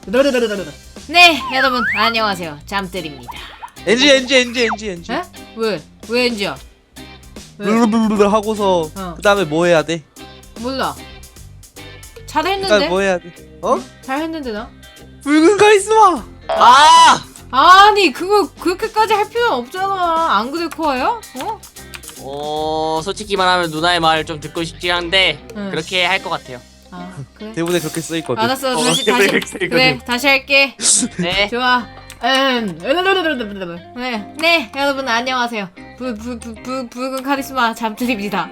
네, 여러분 안녕하세요. 잠들입니다. 엔지. 에? 왜 엔지야? 왜? 블루블루 하고서 그 다음에 뭐 해야 돼? 몰라. 그 잘했는데? 다음에 뭐 해야 돼? 어? 잘했는데 나? 붉은 카리스마! 아! 아니 그거 그렇게까지 할 필요는 없잖아. 안 그래 코아야? 솔직히 말하면 누나의 말을 좀 듣고 싶긴 한데 응. 그렇게 할 것 같아요. 아 그래? 대본에 그렇게 써있거든. 알았어. 다시 그래, 그래 다시 할게. 네. 좋아. 네, 여러분 안녕하세요. 붉은 카리스마 잠들입니다.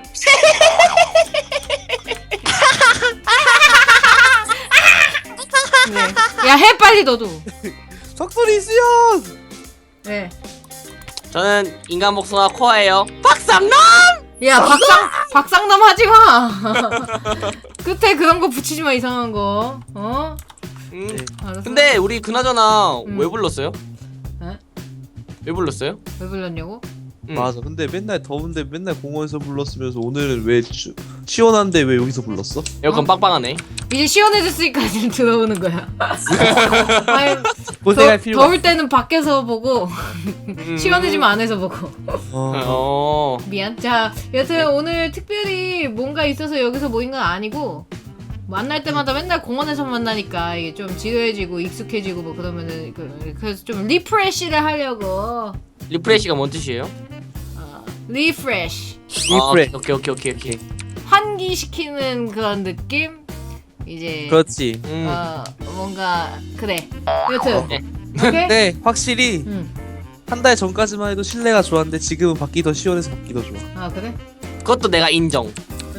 네. 야, 해 빨리 너도. 석소리 수연! 네. 저는 인간 복숭아 코아예요. 박상남! 야, 박상남 하지 마. 끝에 그런 거 붙이지 마, 이상한 거. 어? 음. 알았어. 근데 우리 그나저나 음. 왜 불렀어요? 에? 왜 불렀어요? 왜 불렀냐고? 맞아. 근데 맨날 더운데 맨날 공원에서 불렀으면서 오늘은 왜 시원한데 왜 여기서 불렀어? 에어컨 빵빵하네. 이제 시원해졌으니까 지금 들어오는 거야. 아니, 고생할 필요가 더울 때는 밖에서 보고 시원해지면 안에서 보고. 어. 미안. 자, 여튼 오늘 특별히 뭔가 있어서 여기서 모인 건 아니고 만날 때마다 맨날 공원에서 만나니까 이게 좀 지루해지고 익숙해지고 뭐 그러면은 그래서 좀 리프레시를 하려고. 리프레시가 뭔 뜻이에요? 리프레시. 리프레. 오케이. 환기시키는 그런 느낌? 이제 그렇지. 뭔가 그래. 여튼 네. 오케이? 근데 확실히 응. 한 달 전까지만 해도 실내가 좋았는데 지금은 밖이 더 시원해서 밖이 더 좋아. 아 그래? 그것도 내가 인정.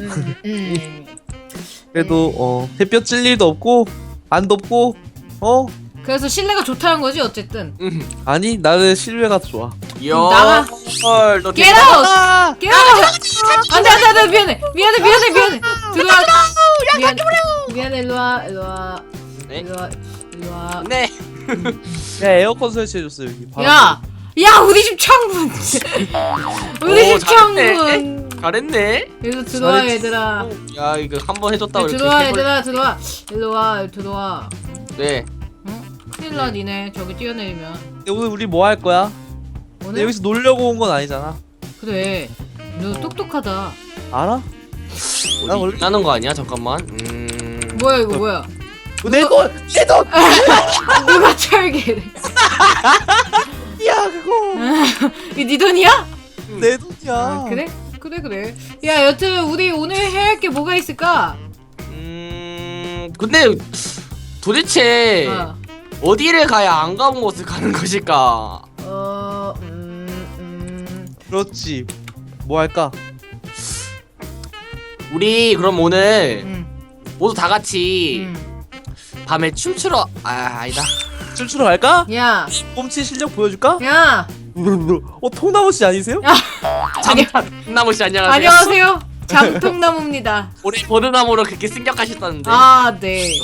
그래도 햇볕 찔 일도 없고 안 덥고 그래서 실내가 좋다는 거지 어쨌든. 아니 나는 실외가 더 좋아. 나가. 헐, 너 Get out! Get out! 안돼 미안해 들어와. 미안해 일로와. 네? 일로와. 네. 야 에어컨 설치해줬어 여기. 야 우리 집 창문. 우리 오, 집 창문. 잘했네. 여기서 들어와 잘했지. 얘들아. 야, 이거 한 번 해줬다고 이렇게 들어와 세 번- 얘들아 들어와. 일로와 들어와. 네. 큰일 나 니네 저기 뛰어내리면. 오늘 우리 뭐 할 거야? 근데 오늘 여기서 놀려고 온 건 아니잖아. 그래. 너 똑똑하다. 알아? 나 원래 나는 거 아니야? 잠깐만. 뭐야 이거 뭐야? 내 돈! 내 돈! 누가 철개래? 야 그거! 이거 네 돈이야? 내 돈이야. 아, 그래? 야 여튼 우리 오늘 해야 할 게 뭐가 있을까? 근데 도대체 어. 어디를 가야 안 가본 곳을 가는 것일까? 그렇지. 뭐 할까? 우리 그럼 오늘 모두 다 같이 음. 밤에 춤추러 아니다. 춤추러 갈까? 야, 꼼치 실력 보여줄까? 야, 통나무 씨 아니세요? 나무 씨 안녕하세요. 안녕하세요. 장통나무입니다. 우리 버드나무로 그렇게 승격하셨다는데. 아, 네.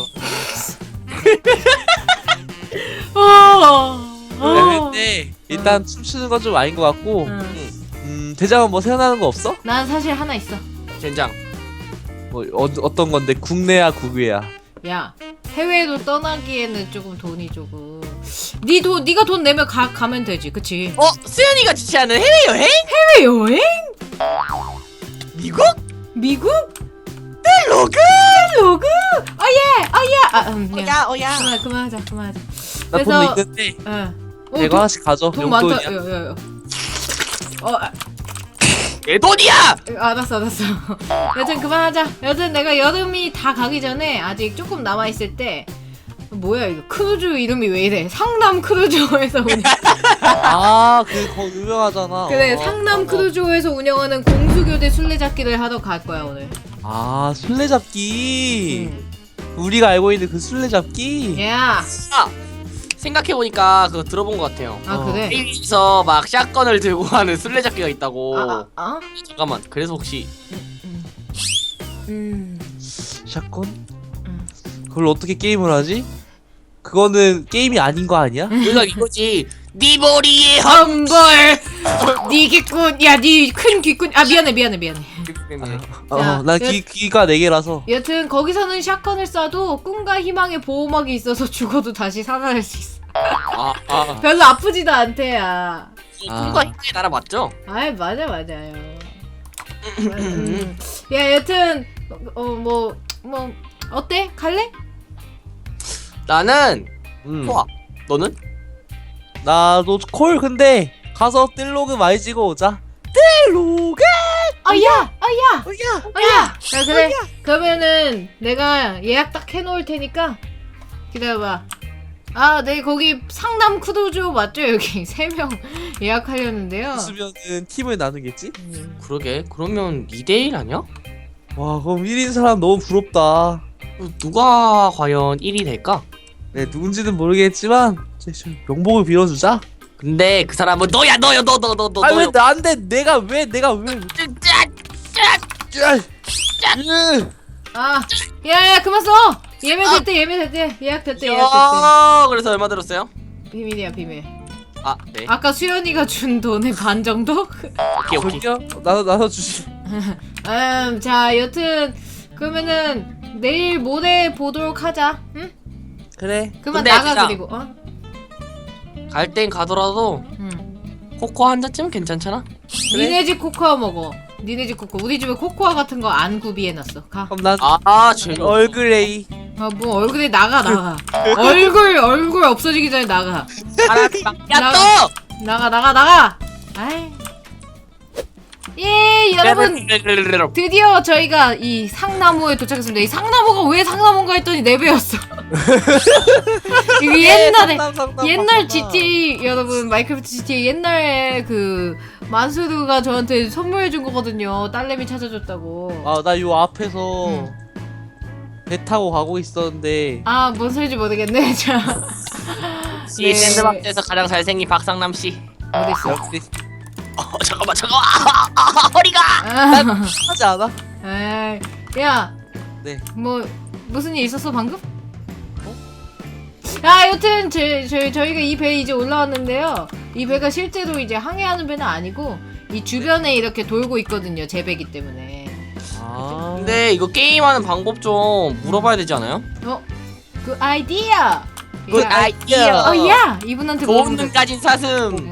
근데 일단 춤추는 건 좀 아닌 것 같고 대장은 뭐 생각나는 거 없어? 난 사실 하나 있어. 젠장. 뭐 어떤 건데 국내야 국외야? 야, 해외로 떠나기에는 조금 돈이 조금. 네가 돈 내면 가면 되지, 그치? 수연이가 주최하는 해외 여행? 해외 여행? 미국? 미국? 로그? 로그? 야. 오야. 그만하자. 나 돈도 있는데 내가 하나씩 가져. 돈 많다. 용돈이야. 야. 내 돈이야. 알았어. 여튼 그만하자. 여튼 내가 여름이 다 가기 전에 아직 조금 남아 있을 때 뭐야 이거 크루즈 이름이 왜 이래? 상남 크루즈에서 그거 유명하잖아. 그래 상남 크루즈에서 운영하는 공수교대 술래잡기를 하러 갈 거야 오늘. 술래잡기. 우리가 알고 있는 그 술래잡기. 야. 생각해보니까 그거 들어본 것 같아요. 그래. 게임에서 막 샷건을 들고 하는 술래잡기가 있다고. 잠깐만. 그래서 혹시 샷건? 그걸 어떻게 게임을 하지? 그거는 게임이 아닌 거 아니야? 우리가 이거지. 네 머리에 험벌. 네 귀꾼. 야, 네 큰 귀꾼. 미안해. 난 귀가 4개라서. 여튼 거기서는 샷건을 쏴도 꿈과 희망의 보호막이 있어서 죽어도 다시 살아날 수 있어. 별로 아프지도 않대야. 꿈과 희망의 나라 맞죠? 아이 맞아요. 야 여튼 뭐 어때? 갈래? 나는 음. 코아. 너는? 나도 콜. 근데 가서 뜰로그 많이 찍어 오자. 뜰로그. 야 어야. 자 그래 그러면은 내가 예약 딱 해놓을 테니까 기다려봐. 네 거기 상남 쿠도조 맞죠? 여기 3명 예약하려는데요. 있으면은 팀을 나누겠지? 그러게. 그러면 2대1 아니야? 와, 그럼 1인 사람 너무 부럽다. 누가 과연 1위 될까? 네, 누군지는 모르겠지만 명복을 빌어주자. 근데 그 사람은 너야. 너. 아니 왜 나한테 내가 왜 야야 그만 써. 예매됐대. 예약됐대. 그래서 얼마 들었어요? 비밀이야 비밀. 네. 아까 수연이가 준 돈의 반 정도? 오케이. 저기요? 나눠 주시. 자 여튼 그러면은 내일 모레 보도록 하자. 응? 그래. 그만 근데 나가 진짜- 그리고 갈 땐 가더라도 코코 한 잔쯤 괜찮잖아? 니네 집 코코아 먹어. 니네 집 코코. 우리 집에 코코아 같은 거 안 구비해놨어. 가. 그럼 난 재미없어. 얼그레이. 뭐 얼굴에 나가. 얼굴 없어지기 전에 나가. 야 또! 나가. 아이. 예 여러분 드디어 저희가 이 상나무에 도착했습니다. 이 상나무가 왜 상나무인가 했더니 4배였어. 이거 옛날 GTA 여러분 마이크래프트 GTA 옛날에 그 만수르가 저한테 선물해준 거거든요. 딸내미 찾아줬다고. 나 요 앞에서 배 타고 가고 있었는데. 뭔 소리인지 모르겠네. 자. 이 샌드박스에서 가장 잘생긴 박상남 씨. 어딨어? 역시 잠깐만. 허리가. 하지 않아? 야. 네. 뭐 무슨 일 있었어 방금? 여튼 저희가 이 배에 이제 올라왔는데요. 이 배가 실제로 이제 항해하는 배는 아니고 이 주변에 이렇게 돌고 있거든요. 제 배기 때문에. 근데 이거 게임하는 방법 좀 물어봐야 되지 않아요? 그 아이디어. 굿 아이디어. 야 이분한테 좋은 물어보면 눈 가진 사슴.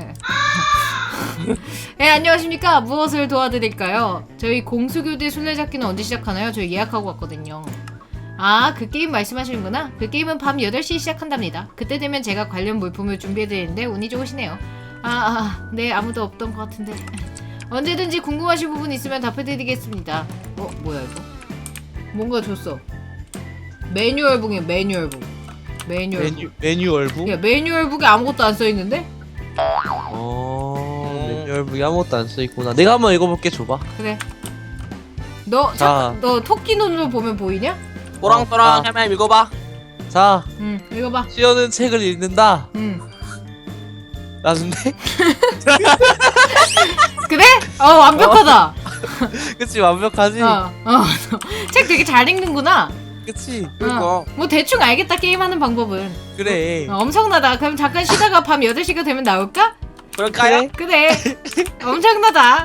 네 안녕하십니까. 무엇을 도와드릴까요? 저희 공수교대 술래잡기는 언제 시작하나요? 저희 예약하고 왔거든요. 그 게임 말씀하시는구나. 그 게임은 밤 8시 시작한답니다. 그때 되면 제가 관련 물품을 준비해드리는데 운이 좋으시네요. 네 아무도 없던 것 같은데 언제든지 궁금하신 부분 있으면 답해드리겠습니다. 뭐야 이거? 뭔가 줬어. 매뉴얼북이야 매뉴얼북. 매뉴얼북? 야 매뉴얼북에 아무것도 안 써있는데? 매뉴얼북이 아무것도 안 써있구나. 내가 한번 읽어볼게. 줘봐. 그래. 너 토끼 눈으로 보면 보이냐? 또랑또랑 해면 읽어봐. 자, 읽어봐. 수연은 책을 읽는다. 라는데? 그래? 완벽하다. 그치, 완벽하지? 책 되게 잘 읽는구나. 그치? 뭐 대충 알겠다 게임하는 방법은. 그래. 엄청나다. 그럼 잠깐 쉬다가 밤 8시가 되면 나올까? 그럴까요? 그래. 엄청나다.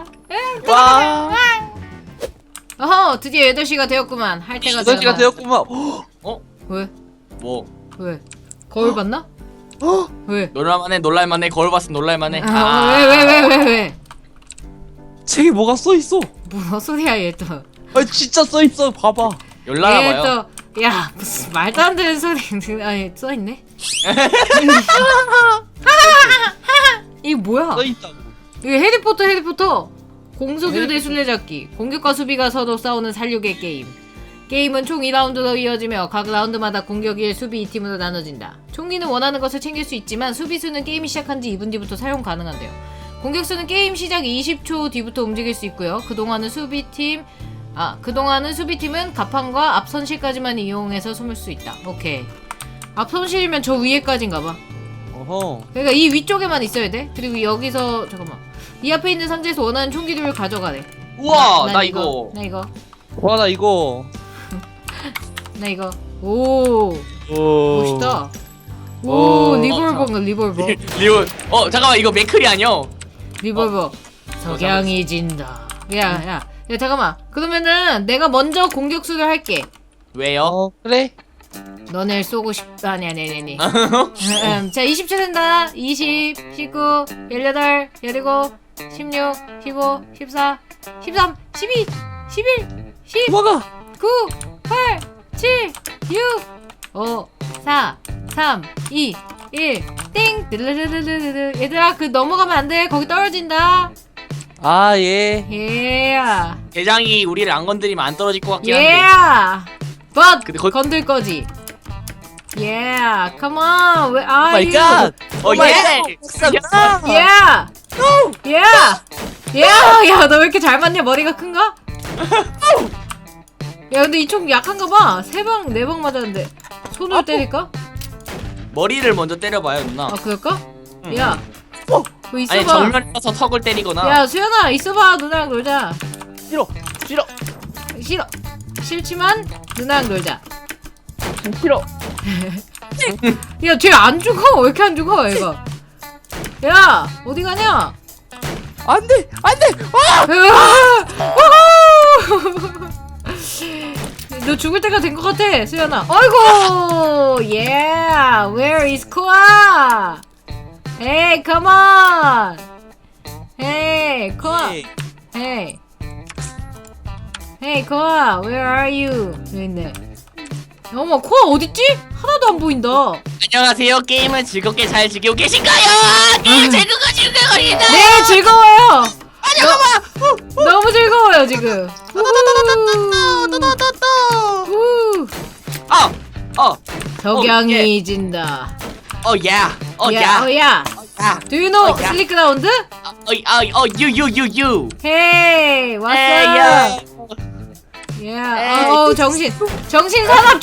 와. 드디어 8시가 되었구만. 할 때가 8시가 되었구만. 왜? 뭐? 왜? 거울 봤나? 왜? 놀랄만해. 거울 봤으면 놀랄만해. 왜? 책에 뭐가 써있어? 뭐 소리야 얘 또. 진짜 써있어. 봐봐. 열나라봐요. 야 무슨 말도 안 되는 소리. 써있네. 이게 뭐야? 써있다고. 이게 해리포터. 공수교대 술래잡기. 공격과 수비가 서로 싸우는 살육의 게임. 게임은 총 2라운드로 이어지며 각 라운드마다 공격 1, 수비 2팀으로 나눠진다. 총기는 원하는 것을 챙길 수 있지만 수비수는 게임이 시작한 지 2분 뒤부터 사용 가능한데요. 공격수는 게임 시작 20초 뒤부터 움직일 수 있고요. 그동안은 수비팀은 가판과 앞선실까지만 이용해서 숨을 수 있다. 오케이. 앞선실이면 저 위에까지인가봐. 그러니까 이 위쪽에만 있어야 돼. 그리고 여기서 잠깐만. 이 앞에 있는 상자에서 원하는 총기들을 가져가래. 우와 나 이거. 와, 나 이거. 오. 멋있다. 리볼버인가 리볼버. 잠깐만 이거 맥클이 아니야? 리볼버. 석양이 진다. 야 야 잠깐만. 그러면은 내가 먼저 공격수를 할게. 왜요? 그래. 너네 쏘고 싶... 아니. 자 20초 된다. 20, 19, 18, 17, 16, 15, 14, 13, 12, 11, 10, 도망가. 9, 8, 7, 6, 5, 4, 3, 2, 1, 띵! 드르르르르르. 얘들아, 그 넘어가면 안 돼. 거기 떨어진다. 아 예. 예. 대장이 우리를 안 건드리면 안 떨어질 것 같긴 예. 한데. But 근데 거- 건들 거지. Yeah. Come on. Where are 마이 you? 갓. 예! Yeah. Yeah. Yeah. 야, 너 왜 이렇게 잘 맞냐? 머리가 큰가? 야, 근데 이 총 약한가 봐. 3방, 4방 맞았는데. 손으로 때릴까? 머리를 먼저 때려봐요 누나. 아, 그럴까? 응. 야. 그거 있어봐. 아니 정면에서 턱을 때리거나. 야, 수연아, 있어봐. 누나랑 놀자. 싫어. 싫어. 싫어. 싫지만 누나랑 놀자. 싫어. 야, 쟤 안 죽어. 왜 이렇게 안 죽어, 얘가? 야, 어디 가냐? 안돼. 안돼. 너 죽을 때가 된 것 같아, 수연아. 어이구, yeah, where is Koa? Hey, come on. Hey, Koa. Hey, hey, Koa, where are you? 여기 있네. 어머, 코아 어딨지? 하나도 안 보인다. 안녕하세요. 게임을 즐겁게 잘 즐기고 계신가요? 게임 즐거워진다. 네, 즐거워요. 너무 즐거워요 지금. 우. 석양이 예. 진다. 야. 야, 야. 야. Do you know 야. 슬리크라운드? you. Hey, what's up? 야. Yeah. 어, 정신 산업.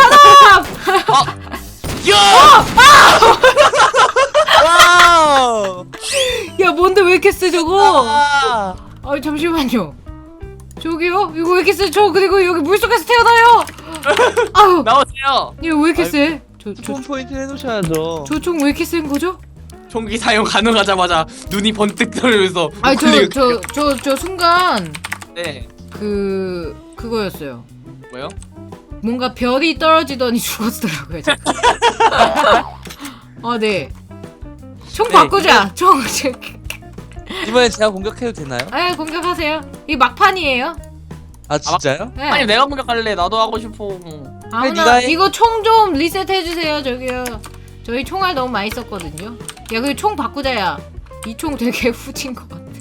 와우. 야, 뭔데 왜 이렇게 세 저거? 아. 아, 잠시만요. 저기요? 이거 왜 이렇게 세? 저 그리고 여기 물속에서 태어나요. 아우, 나오세요. 얘 왜 이렇게 세? 폰 포인트 해놓으셔야죠. 저 총 왜 이렇게 센 거죠? 총기 사용 가능하자마자 눈이 번뜩 떠오르면서. 아니 우클릭을 저 순간 네. 그거였어요. 뭐요? 뭔가 별이 떨어지더니 죽었더라고요. 아 네. 총 네, 바꾸자. 총. 이번엔 제가 공격해도 되나요? 아 공격하세요. 이 막판이에요. 아 진짜요? 네. 아니 내가 공격할래. 나도 하고 싶어. 아무나 네가 해. 이거 총 좀 리셋 해주세요. 저기요. 저희 총알 너무 많이 썼거든요. 야 그 총 바꾸자야. 이 총 되게 후진 것 같아.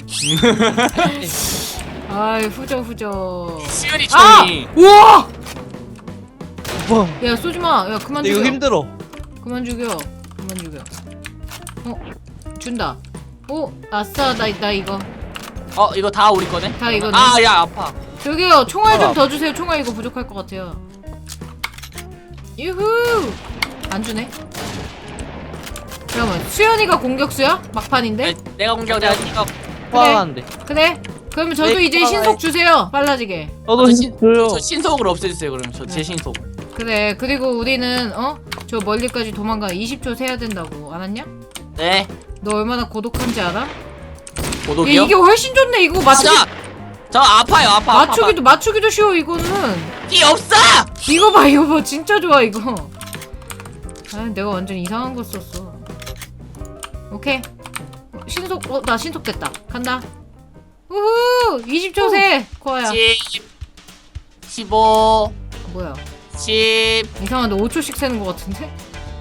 아이 후져. 수연이 아! 총이. 우와! 뭐? 야 쏘지 마. 야 그만 이거 죽여. 힘들어. 그만 죽여. 준다. 오, 아싸, 나 이거. 이거 다 우리 거네? 다 이거네. 야 아파. 저기요, 총알 좀 어. 더 주세요. 총알 이거 부족할 것 같아요. 유후! 안 주네. 그러면 수연이가 공격수야? 막판인데? 내가 공격 내가 공격. 화나는데. 그래. 그러면 저도 네, 이제 고마워요. 신속 주세요. 빨라지게. 저도 힘 줘요. 저 신속으로 없애주세요. 그럼 저 제 네. 신속. 그래. 그리고 우리는 저 멀리까지 도망가 20초 세야 된다고. 알았냐? 네. 너 얼마나 고독한지 알아? 야, 고독이요? 이게 훨씬 좋네. 이거 저 아파요. 아파. 맞추기도 쉬워 이거는. 띠 없어. 이거 봐 진짜 좋아 이거. 아 내가 완전 이상한 거 썼어. 오케이 신속. 나 신속 됐다. 간다. 우후 20초 세 코아야. 10 15 뭐야 10 이상한데 5초씩 세는 거 같은데?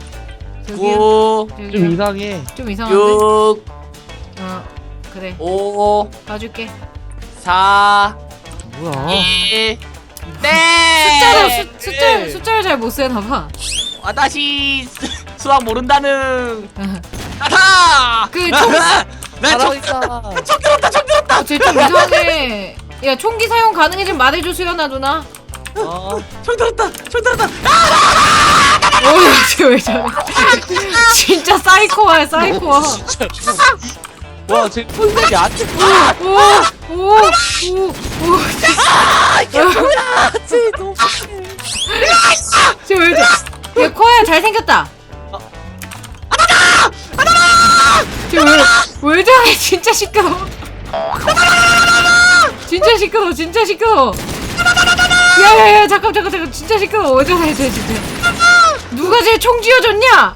9 좀 이상해. 좀 이상한데? 6 그래 5 봐줄게. 4 뭐야? 1 네. 숫자를 잘 못 세나봐. 다시 수학 모른다는. 아타. 그총 잘하니까. 쟤좀 이상해. 야 총기 사용 가능해 좀 말해줘 수연아 누나. 총 들었다. 어휴 쟤왜 저래. 진짜 사이코야 사이코야. 와, 제 폰색이 안 돼. 오오오오 쟤 너무. 쟤왜 저래. 야 코야 잘생겼다. 쟤왜 저래 진짜 시끄러워. 진짜 시끄러워 진짜 시끄러워. 야야야 잠깐 진짜 시끄러워. 왜 저래 쟤 진짜. 누가 쟤 총 쥐어줬냐?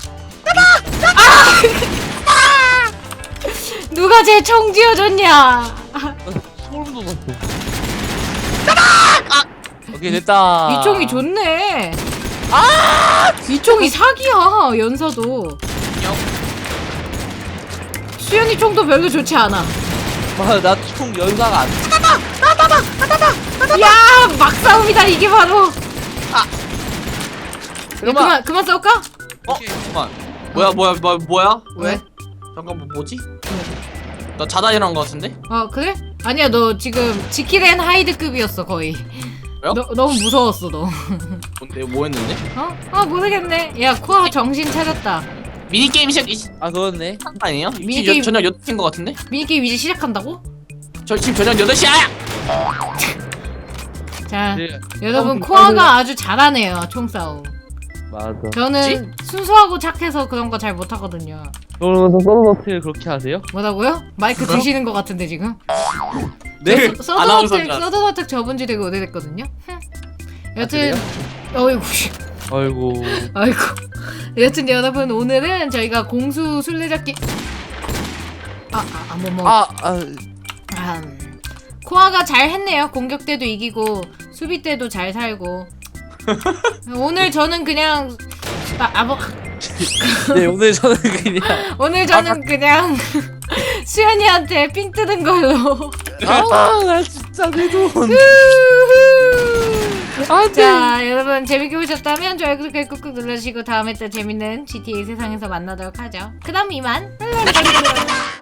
누가 쟤 총 쥐어줬냐? 소름 돋았어. 오케이 됐다. 이 총이 좋네. 이 총이 사기야. 연사도. 수현이 총도 별로 좋지 않아. 나총 연사가 안 돼. 야 막싸움이다 이게 바로. 그만. 그만 싸울까? 잠깐만. 뭐야? 왜? 잠깐 뭐지? 나 자다일한 거 같은데? 그래? 아니야 너 지금 지킬앤 하이드급이었어 거의. 왜요? 너무 무서웠어 너. 뭔데 뭐 했는데? 모르겠네. 야 코아 정신 차렸다. 미니 게임 시작 그렇네. 아니에요? 미니 지금 게임- 저녁 8시인 거 같은데? 미니게임 이제 시작한다고? 저 지금 저녁 8시야! 자 네. 여러분 코아가 아주 잘하네요 총싸움. 맞아. 저는 순수하고 착해서 그런 거 잘 못하거든요. 그러면서 서든어택을 그렇게 하세요? 뭐라고요? 마이크 드시는 거 같은데 지금? 네? 아나운서인 줄 알았어. 서든어택 접은 지 되게 오래됐거든요? 여튼 어이구 아이고. 아이고 여튼 여러분 오늘은 저희가 공수 술래잡기 코아가 잘 했네요. 공격 때도 이기고 수비 때도 잘 살고. 오늘 저는 그냥 네 오늘 저는 그냥 오늘 저는 그냥 수연이한테 삥 뜯은 걸로. 나 진짜 내 돈. 자 여러분 재밌게 보셨다면 좋아요 구독 꾹꾹 눌러주시고 다음에 또 재밌는 GTA 세상에서 만나도록 하죠. 그럼 이만.